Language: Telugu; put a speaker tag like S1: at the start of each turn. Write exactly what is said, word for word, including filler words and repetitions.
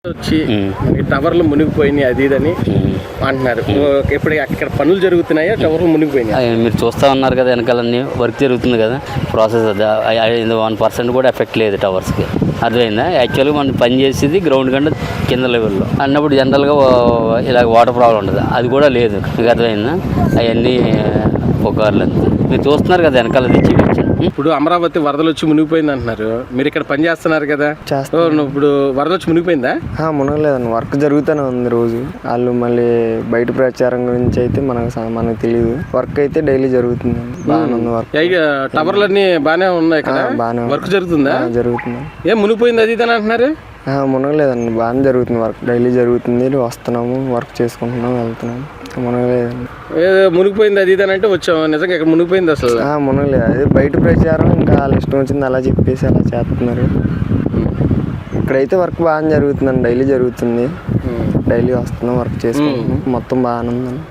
S1: వచ్చి ఈ టవర్లు మునిగిపోయినాయి అది ఇదని అంటున్నారు. ఇప్పుడు అక్కడ పనులు జరుగుతున్నాయా, టవర్లు మునిగిపోయినాయి?
S2: మీరు చూస్తూ ఉన్నారు కదా, వెనకాలన్నీ వర్క్ జరుగుతుంది కదా, ప్రాసెస్ అది వన్ పర్సెంట్ కూడా ఎఫెక్ట్ లేదు టవర్స్కి. అర్థమైందా? యాక్చువల్గా మనం పని చేసేది గ్రౌండ్ కంటే కింద లెవెల్లో అన్నప్పుడు జనరల్గా ఇలా వాటర్ ప్రాబ్లం ఉంటుంది, అది కూడా లేదు. మీకు అర్థమైందా? అవన్నీ పుకార్లు అంతే. మీరు చూస్తున్నారు కదా వెనకాల తెచ్చి.
S1: ఇప్పుడు అమరావతి వరదలు వచ్చి మునిగిపోయింది అంటున్నారు, మీరు ఇక్కడ పని చేస్తున్నారు కదా, ఇప్పుడు వరద వచ్చి మునిగిపోయిందా?
S3: మునగలేదండి, వర్క్ జరుగుతూనే ఉంది రోజు. వాళ్ళు మళ్ళీ బయట ప్రచారం గురించి అయితే మనకు మనకు తెలియదు. వర్క్ అయితే డైలీ జరుగుతుంది, బాగానే ఉంది వర్క్.
S1: టవర్లు అన్ని బాగానే ఉన్నాయి కదా, బాగానే వర్క్ జరుగుతుందా?
S3: జరుగుతుంది.
S1: ఏం మునిగిపోయింది అది ఇదని అంటున్నారు?
S3: మునగలేదండి, బాగానే జరుగుతుంది వర్క్, డైలీ జరుగుతుంది. వస్తున్నాము, వర్క్ చేసుకుంటున్నాము, వెళ్తున్నాము. మునగలేదండి.
S1: ఏదో మునిగిపోయింది అది ఇదని అంటే వచ్చాము, నిజంగా ఇక్కడ మునిగిపోయింది అసలు?
S3: మునగలేదు, అదే బయట ప్రచారం, ఇంకా వాళ్ళ ఇష్టం వచ్చింది అలా చెప్పేసి అలా చేస్తున్నారు. ఇక్కడైతే వర్క్ బాగానే జరుగుతుందండి, డైలీ జరుగుతుంది. డైలీ వస్తున్నాం, వర్క్ చేసుకుంటున్నాం, మొత్తం బాగానే ఉందండి.